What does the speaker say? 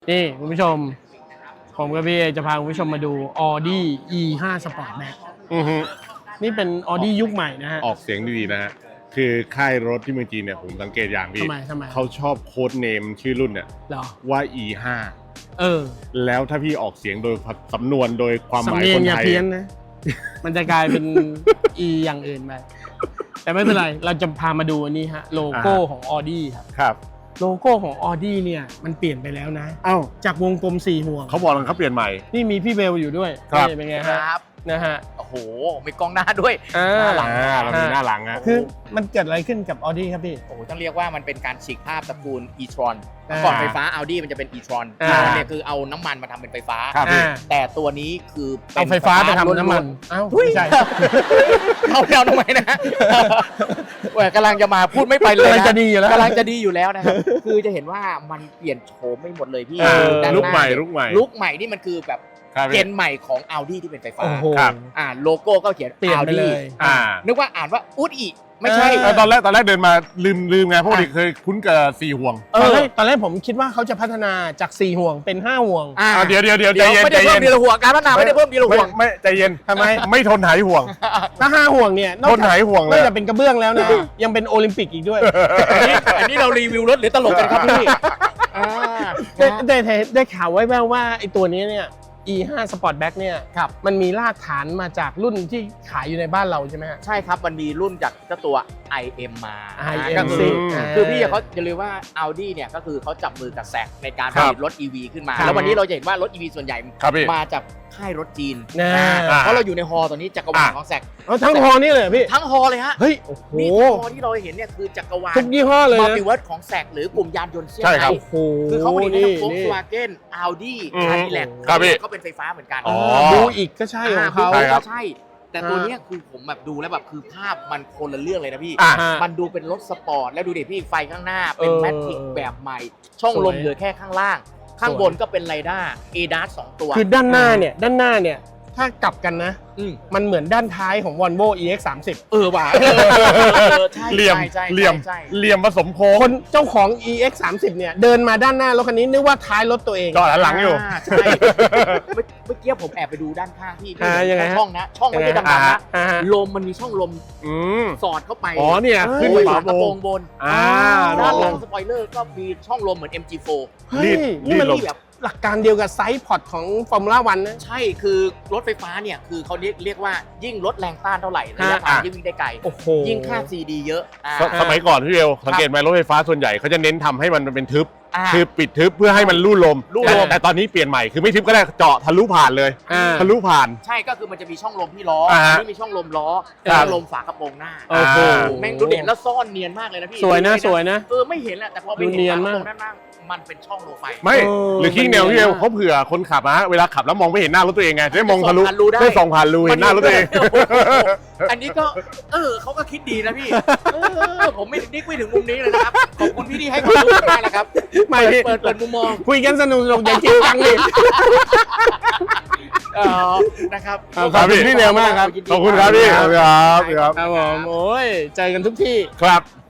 นี่คุณผู้ชมผมกับพี่จะพาคุณผู้ชมมาดู Audi E5 Sportback นี่เป็น Audi ยุคใหม่นะฮะออกเสียงดีๆนะฮะคือค่ายรถที่เมืองจีนเนี่ยผมสังเกตอย่างพี่ทำไมเขาชอบโค้ดเนมชื่อรุ่นเนี่ยว่า E5 แล้วถ้าพี่ออกเสียงโดยสำนวนโดยความหมายคนไทยอย่าเพี้ยนนะ มันจะกลายเป็น E อย่างอื่นไปแต่ไม่เป็นไรเราจะพามาดูอันนี้ฮะโลโก้ของ Audi ครับโลโก้ของ Audi เนี่ยมันเปลี่ยนไปแล้วนะจากวงกลม4ห่วงเขาบอกเขาเปลี่ยนใหม่นี่มีพี่เบลอยู่ด้วยเป็นไงครับนะฮะโอ้โหมีกล้องหน้าด้วยหน้าหลังเรามีหน้าหลังคือมันเกิดอะไรขึ้นกับ Audi ครับพี่โอ้โหต้องเรียกว่ามันเป็นการฉีกภาพตระกูล e-tron ก่อนไฟฟ้า Audi มันจะเป็น e-tron เนี่ยคือเอาน้ำมันมาทำเป็นไฟฟ้าแต่ตัวนี้คือเอาไฟฟ้าไปทำน้ำมันไม่ใช่เอาแล้วทำไมนะกำลังจะมาพูดไม่ไปเลยนะกำลังจะดีอยู่แล้วนะครับคือจะเห็นว่ามันเปลี่ยนโฉมไม่หมดเลยพี่ลุกใหม่นี่มันคือแบบเจนใหม่ของ Audi ที่เป็นไฟฟ้าโลโก้ก็เขียน Audi นึกว่าอ่านว่าอุดอีไม่ใช่ตอนแรกเดินมาลืมไงเพราะเคยคุ้นกับ4ห่วงตอนแรกผมคิดว่าเขาจะพัฒนาจาก4ห่วงเป็น5ห่วงเดี๋ยวใจเย็นไม่ได้เพิ่มทีละห่วงการพัฒนาไม่ได้เพิ่มทีละห่วงไม่ใจเย็นทำไมไม่ทนหายห่วงถ้า5ห่วงเนี่ยทนหายห่วงเลยไม่จะเป็นกระเบื้องแล้วนะยังเป็นโอลิมปิกอีกด้วยอันนี้เรารีวิวรถหรือตลกกันครับพี่ได้ข่าวไว้แว่วว่าไอ้ตัวนี้เนี่ยE5 Sportback เนี่ยมันมีรากฐานมาจากรุ่นที่ขายอยู่ในบ้านเราใช่ไหมฮะใช่ครับมันมีรุ่นจากเจ้าตัว IM มา IM คือพี่เขาจะเรียกว่า Audi เนี่ยก็คือเขาจับมือกับแซกในการผลิตรถ EV ขึ้นมาแล้ววันนี้เราจะเห็นว่ารถ EV ส่วนใหญ่มาจากค่ายรถจีนเพราะเราอยู่ในฮอตอนนี้จักรวาลของแซกทั้งฮอนี่เลยพี่ทั้งฮอเลยฮะเฮ้ยโอ้โหฮอที่เราเห็นเนี่ยคือจักรวาลทุกยี่ห้อเลยมัลติเวิร์สของแซกหรือกลุ่มยานยนต์เซี่ยงไฮ้คือเขาผลิตทั้ง Volkswagen Audi Cadillac ก็เป็นไฟฟ้าเหมือนกันดูอีกก็ใช่ของเขาก็ใช่แต่ตัวนี้คือผมแบบดูแล้วแบบคือภาพมันคนละเรื่องเลยนะพี่มันดูเป็นรถสปอร์ตแล้วดูดิพี่ไฟข้างหน้าเป็นแมทริกแบบใหม่ช่องลมเหลือแค่ข้างล่างข้างบนก็เป็นไรด้า ADAS 2 ตัวคือด้านหน้าเนี่ยถ้ากลับกันนะมันเหมือนด้านท้ายของ Volvo EX30 ว่ะเหลี่ยมผสมโค้งคนเจ้าของ EX30 เนี่ยเดินมาด้านหน้ารถคันนี้นึกว่าท้ายรถตัวเองจอดหลังอยู่ใช่เมื่อกี้ผมแอบไปดูด้านข้างที่ช่องนะช่องไม่ได้ดำๆนะลมมันมีช่องลมสอดเข้าไปเนี่ยขึ้นฝากระโปรงบนด้านหลังสปอยเลอร์ก็มีช่องลมเหมือน MG4 นี่มันแบบหลักการเดียวกับไซส์พอร์ตของฟอร์มูล่าวันนะใช่คือรถไฟฟ้าเนี่ยคือเขาเรียกว่ายิ่งลดแรงต้านเท่าไหร่ระยะทางยิ่งวิ่งได้ไกลยิ่งค่า CD เยอะสมัยก่อนพี่เบลสังเกตไหมรถไฟฟ้าส่วนใหญ่เขาจะเน้นทำให้มันเป็นทึบคือปิดทึบเพื่อให้มันลู่ลมแต่ตอนนี้เปลี่ยนใหม่คือไม่ทึบก็ได้เจาะทะลุผ่านเลยทะลุผ่านใช่ก็คือมันจะมีช่องลมที่ล้อนี่มีช่องลมล้อช่องลมฝากระโปรงหน้าแม่งดูเด่นแล้วซ่อนเนียนมากเลยนะพี่สวยนะไม่เห็นแหละแต่พอไปเห็นฝากระโปรงด้านล่างมันเป็นช่องโลไฟไม่หรือขี้แนวพี่เบลเขาเผื่อคนขับนะเวลาขับแล้วมองไม่เห็นหน้ารถตัวเองไงได้มองทะลุได้ส่องผ่านรูเห็นหน้ารถตัวเองอันนี้ก็เขาก็คิดดีนะพี่ผมไม่ถึงมุมนี้เลยนะครับขอบคุณพี่ที่ให้ความรู้มากนะครับเปิดมุมมองคุยกันสนุกอย่าจริงจังเลยนะครับขอบคุณพี่เบลมากครับขอบคุณครับพี่ครับผมโอ้ยเจอกันทุกที่ครับ